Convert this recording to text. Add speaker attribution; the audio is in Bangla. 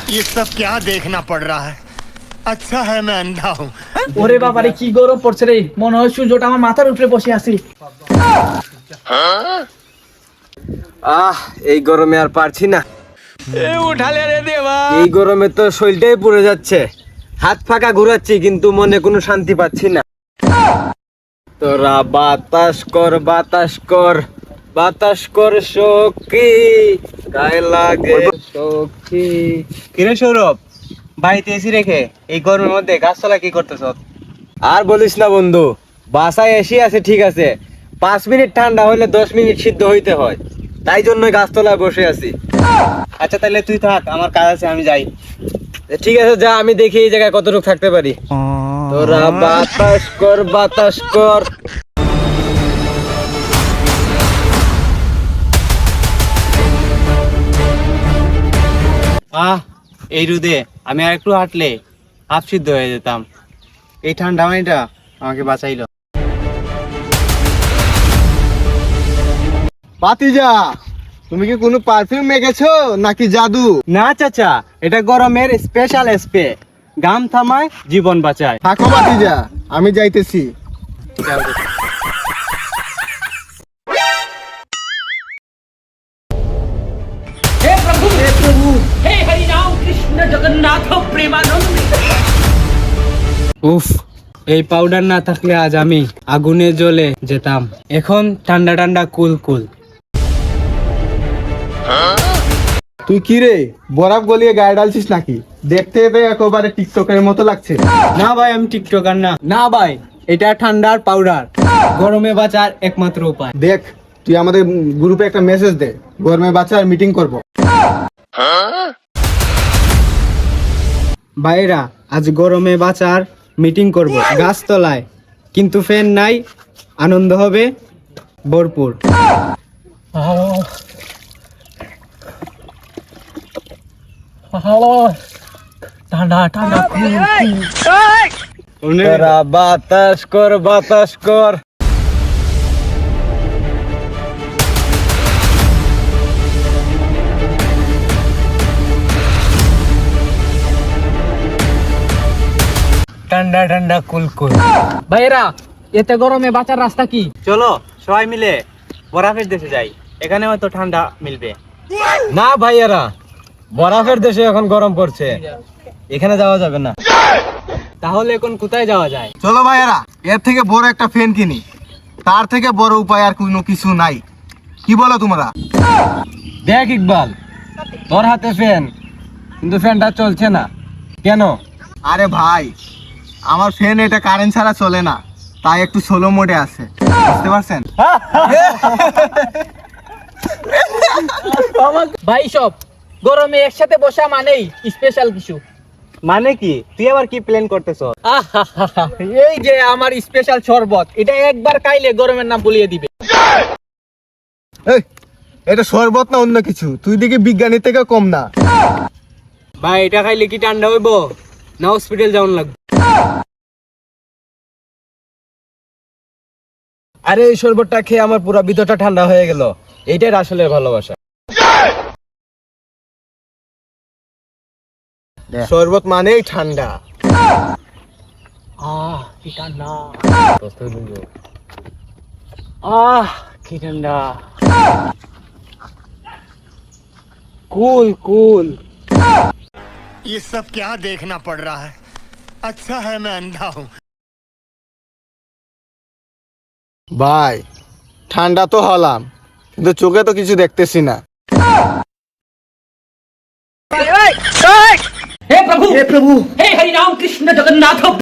Speaker 1: ये सब क्या देखना पड़ रहा है। अच्छा है मैं अंधा हूँ।
Speaker 2: ওরে বাবারে কি গরম পড়ছে রে, মনে হয় সূর্যটা আমার মাথার উপরে বসে আছে।
Speaker 3: এই গরমে আর পারছি না।
Speaker 4: উঠালে রে দেবা।
Speaker 3: এই গরমে তো শরীরটাই পুড়ে যাচ্ছে। হাত ফাঁকা ঘুরাচ্ছি কিন্তু মনে কোনো শান্তি পাচ্ছি না। তোরা বাতাস কর বাতাস কর বাতাস কর সখী, গায়ে লাগে সখী।
Speaker 4: কিরে সৌরভ, বাড়িতে এসি রেখে এই গরমের মধ্যে গাছতলা কি করতেছ?
Speaker 3: আর বলিস না বন্ধু, বাসায় এসি আছে ঠিক আছে, 5 মিনিট ঠান্ডা হইলে 10 মিনিট সিদ্ধ হইতে হয়, তাই জন্য গাছতলায় বসে আছি।
Speaker 4: আচ্ছা তাহলে তুই থাক, আমার কাজ আছে, আমি যাই।
Speaker 3: ঠিক আছে যা, আমি দেখি এই জায়গায় কতটুকু থাকতে পারি। তোরা বাতাস কর বাতাস কর।
Speaker 4: এই রোদে আমি আর একটু হাঁটলে হাফ সিদ্ধ হয়ে যেতাম। এই ঠান্ডা পানিটা আমাকে বাঁচাইলো।
Speaker 3: পাতিজা, তুমি কি কোনো পারফিউম মেখেছো নাকি জাদু?
Speaker 4: না চাচা, এটা গরমের স্পেশাল স্প্রে, গাম থামায় জীবন বাঁচায়।
Speaker 3: থাকো পাতিজা, আমি যাইতেছি।
Speaker 2: হে প্রভু হে হরি রাম কৃষ্ণ জগন্নাথ প্রেমানন্দ।
Speaker 4: উফ, এই পাউডার না থাকলে আজ আমি আগুনে জ্বলে যেতাম। এখন ঠান্ডা ঠান্ডা কুল কুল।
Speaker 3: তুই কি রে, বরফ গলিয়ে গায়ে ডালছিস নাকি? দেখতে তো একেবারে টিকটকের মতো লাগছে।
Speaker 4: না ভাই, আমি টিকটকার না। না ভাই, এটা ঠান্ডার পাউডার, গরমে বাঁচার একমাত্র উপায়।
Speaker 3: দেখ, তুই আমাদের গ্রুপে একটা মেসেজ দে, গরমে বাঁচার মিটিং করব।
Speaker 4: ভাইরা, আজ গরমে বাঁচার মিটিং করব গাছতলায়, কিন্তু ফ্যান নাই, আনন্দ হবে ভরপুর।
Speaker 2: ঠান্ডা ঠান্ডা
Speaker 3: তোরা বাতাস কর বাতাস কর।
Speaker 4: ঠান্ডা ঠান্ডা কুলকুল।
Speaker 2: ভাইরা, এতে গরমে বাঁচার রাস্তা কি?
Speaker 4: চলো সবাই মিলে বরফের দেশে যাই, এখানে হয়তো ঠান্ডা মিলবে।
Speaker 3: না ভাইয়ারা, বরফের দেশে এখন গরম পড়ছে, এখানে যাওয়া যাবে না।
Speaker 4: তাহলে এখন কোথায় যাওয়া যায়?
Speaker 3: চলো ভাইয়ারা, এর থেকে বড় একটা ফ্যান কিনি, তার থেকে বড় উপায় আর কোনো কিছু নাই। কি বলো তোমরা? দেখ ইকবাল, তোর হাতে ফ্যান, কিন্তু ফ্যানটা চলছে না কেন? আরে ভাই, আমার ফ্যান এটা কারেন্ট ছাড়া চলে না, তাই একটু স্লো মোডে আছে, বুঝতে পারছেন?
Speaker 2: ভাই সব গরমে একসাথে বসা মানেই স্পেশাল কিছু।
Speaker 4: মানে কি? তুই আবার কি প্ল্যান করতেছ?
Speaker 2: আহাহাহা, এই যে আমার স্পেশাল শরবত, এটা একবার খাইলে গরমের নাম বলিয়ে দিবে।
Speaker 3: এই, এটা শরবত না অন্য কিছু? তুই দেখি বিজ্ঞানী থেকে কম না।
Speaker 4: ভাই, এটা খাইলে কি ঠান্ডা হইব না হসপিটাল যাওয়ার লাগবে?
Speaker 3: আরে এই শরবতটা খেয়ে আমার পুরো ভিতরটা ঠান্ডা হয়ে গেল, এইটাই আসলে ভালোবাসা। শরবত মানেই ঠান্ডা।
Speaker 2: কি ঠান্ডা,
Speaker 4: কি ঠান্ডা, কুল কুল।
Speaker 1: ये सब क्या देखना पड़ रहा है। अच्छा है मैं अंधा हूँ।
Speaker 3: ভাই, ঠান্ডা তো হলাম, কিন্তু চোখে তো কিছু দেখতেছি না।
Speaker 2: हे प्रभु हे हरि राम कृष्ण जगन्नाथ